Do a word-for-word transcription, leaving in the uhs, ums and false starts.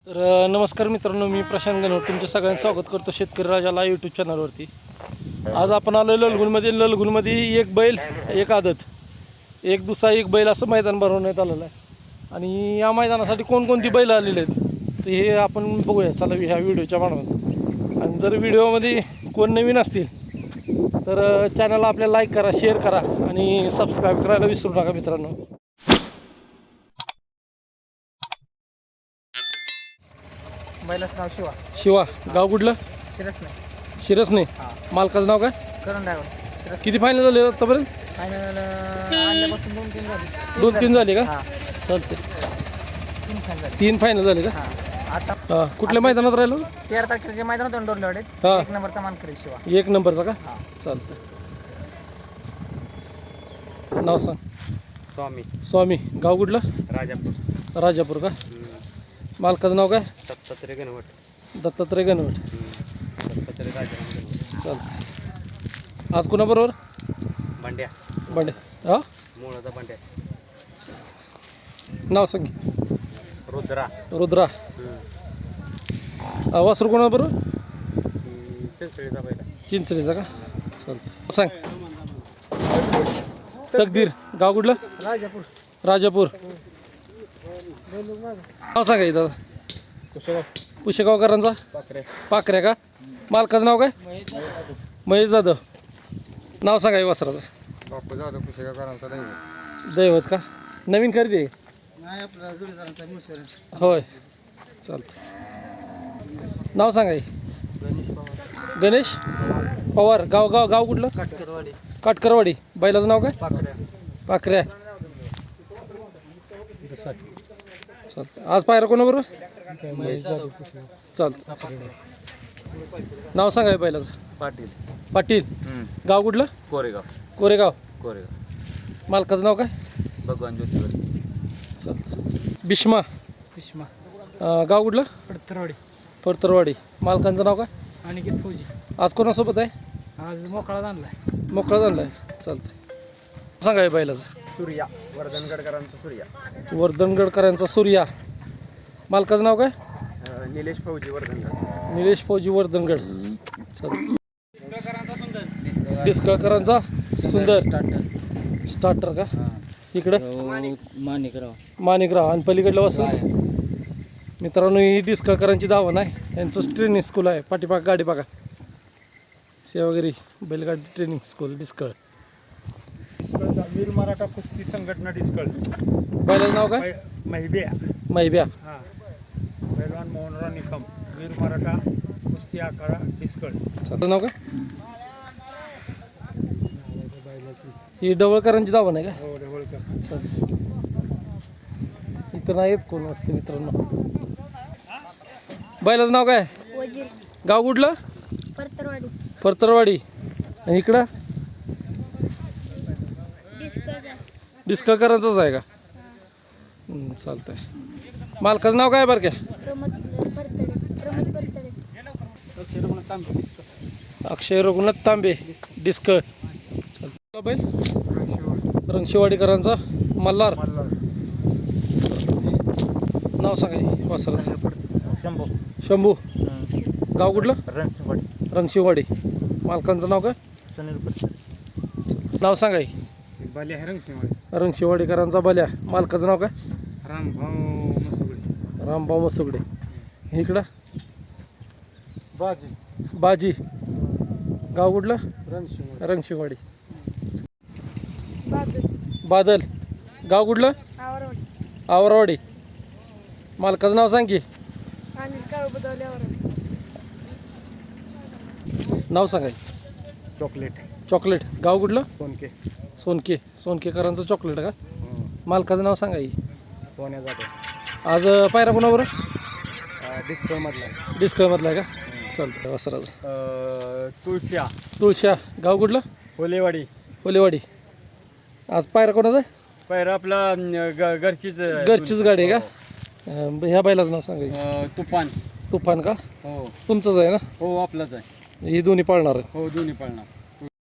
तर नमस्कार मित्रांनो, मी प्रशांत गणवट तुमच्या सगळ्यांचं स्वागत करतो शेतकरी राजाला यूट्यूब चॅनलवरती. आज आपण आलो ललगुणमध्ये. ललगुणमध्ये एक बैल एक आदत एक दुसरा एक बैल असं मैदान भरवण्यात आलेलं आहे आणि या मैदानासाठी कोणकोणती बैल आलेले आहेत तर हे आपण बघूया चला ह्या व्हिडिओच्या माध्यमातून. आणि जर व्हिडिओमध्ये कोण नवीन असतील तर चॅनलला आपल्याला लाईक करा, शेअर करा आणि सबस्क्राईब करायला विसरू नका मित्रांनो. बैलाचं नाव शिवा. शिवा. गाव कुठलं? शिरस नाही. शिरस नाही. मालकाचं नाव काय? करण ड्रायव्हर. शिरस. किती फायनल झाले आतापर्यंत? फायनल आणल्यापासून दोन तीन झाले. दोन तीन झाले का? हां, चालते. तीन फायनल झाले. तीन फायनल झाले का? हां, आता हां. कुठल्या मैदानात राहिलो? तेरा तारखेचे मैदान होतं डोरलेवाडीत. हां. एक नंबरचा मानकरी शिवा. एक नंबरचा का? हां. चालतं. नाव सांग. स्वामी. स्वामी. गाव कुठलं? राजापूर. राजापूर का? मालकाचं नाव काय? दत्तात्रय गणवट. दत्तात्रय गणवट. दत्तात्रय राजाराम गणवट. चालतं. आज कोणाबरोबर? भांड्या. बंडे. हां. मुळाचा भांड्या. नाव सांग. रुद्रा. रुद्रा. वासरू कोणाबरोबर? चिंचळीचा पहिला. चिंचणीचा का? चालतं. सांग. तकदीर. गाव कुठलं? राजापूर. राजापूर. नाव सांगा दादा. कुशेगाव. पुशेगावकरांचा? पाकरे. पाकऱ्या का? मालकाचं नाव काय? महेश जाधव. नाव सांगा वासराचं. बापू जाधव कुशेगावकरांचा दैवत. दैवत का? नवीन खरेदी आहे? नाही, आपला जोडीदारांचा मुसर. होय. चालतं. नाव सांगा. गणेश पवार. गणेश पवार. गाव गाव गाव कुठलं? काटकरवाडी. काटकरवाडी. बैलाचं नाव काय? पाकऱ्या. पाकऱ्या. चालतं. आज पायरा कोणाबरोबर? चालतं. नाव सांगा बैलाचं. पाटील. पाटील. गाव कुठलं? कोरेगाव. कोरेगाव. कोरेगाव. मालकाचं नाव काय? भगवान ज्योतिवर. चालतं. भीष्मा. भीष्मा. अं, गाव कुठलं? पडतरवाडी. परतरवाडी. मालकांचं नाव काय? अनिकेत फौजी. आज कोणासोबत आहे? आज मोकळा आणलाय. मोकळा झाला आहे. चालतं. सांगा बैलाचं. सूर्या. वर्धनगडकरांचा सूर्या. वर्धनगडकरांचा सूर्या. मालकाचं नाव काय? निलेश फौजी वर्धनगड. निलेश फौजी वर्धनगड. चालतं. डिस्कळकरांचा सुंदर. स्टार्टर का? इकडं माणिकराव. माणिकराव. आणि पलीकडलं वासू. मित्रांनो, ही डिस्कळकरांची धावण आहे. यांचं ट्रेनिंग स्कूल आहे. पाठीपाक गाडी बघा. सेवागिरी बैलगाडी ट्रेनिंग स्कूल डिस्कळ. डिस्कळचा वीर मराठा कुस्ती संघटना डिस्कळ. बैलाचं नाव काय? महिब्या. मैब्या. हां, पैलवान मोहनराव निकम. वीर मराठा कुस्ती आखाडा डिस्कळ. त्याचं नाव काय? ही डवळकरांची धावण आहे का? हो, ढवळकर. चालतं. इथं नाही येत कोण वाटतं मित्रांनो. बैलाचं नाव काय? वजीर. गाव कुठलं? परतरवाडी. परतरवाडी. आणि इकडं डिस्कचा. डिस्कळकरांचंच आहे का? हं, चालतंय. मालकाचं नाव काय बरं काय? प्रमोद परतडे. प्रमोद परतडे. अक्षय रघुनाथ तांबे. डिस्क. अक्षय रघुनाथ तांबे. डिस्कळ. चालतं. बैल रंगशिवाडीकरांचा मल्हार. नाव सांगा वासराचं. शंभू. शंभू. गाव कुठलं? रणशिंगवाडी. रंगशिवाडी. मालकांचं नाव काय? सुनील कुस्ती. नाव सांगा. बाले आहे रणशिंगवाडी. रंगशिवाडीकरांचा बल्या. मालकाचं नाव काय? रामभाऊ मसुगडे. रामभाऊ मसुगडे. इकडं बाजी. बाजी. गाव कुठलं? रणशिंगवाडी. रंगशिवाडी. बादल. बादल. गाव कुठलं? आवरवाडी. आवरवाडी. मालकाचं नाव सांग की. आणि काळ बदवल्यावर. नाव सांगा. चॉकलेट. चॉकलेट. गाव कुठलं? सोनके. सोनके. सोनकेकरांचं चॉकलेट का? मालकाचं नाव सांगा. सोन्या जाधव. आज पायरा कोणाबरोबर? डिस्कळमधला. डिस्कळमधला आहे का? चालतं. वासराचं. तुळशिया. तुळशा. गाव कुठलं? होलेवाडी. ओलेवाडी. आज पायरा कोणाचा आहे? पैरा आपला घरचीच घरचीच गाडी आहे का? अं, ह्या बैलाचं नाव सांगा. तुफान. तुफान का? हो तुमचंच आहे ना? हो, आपलाच आहे. ही दोन्ही पाळणार आहेत. हो, दोन्ही पळणार.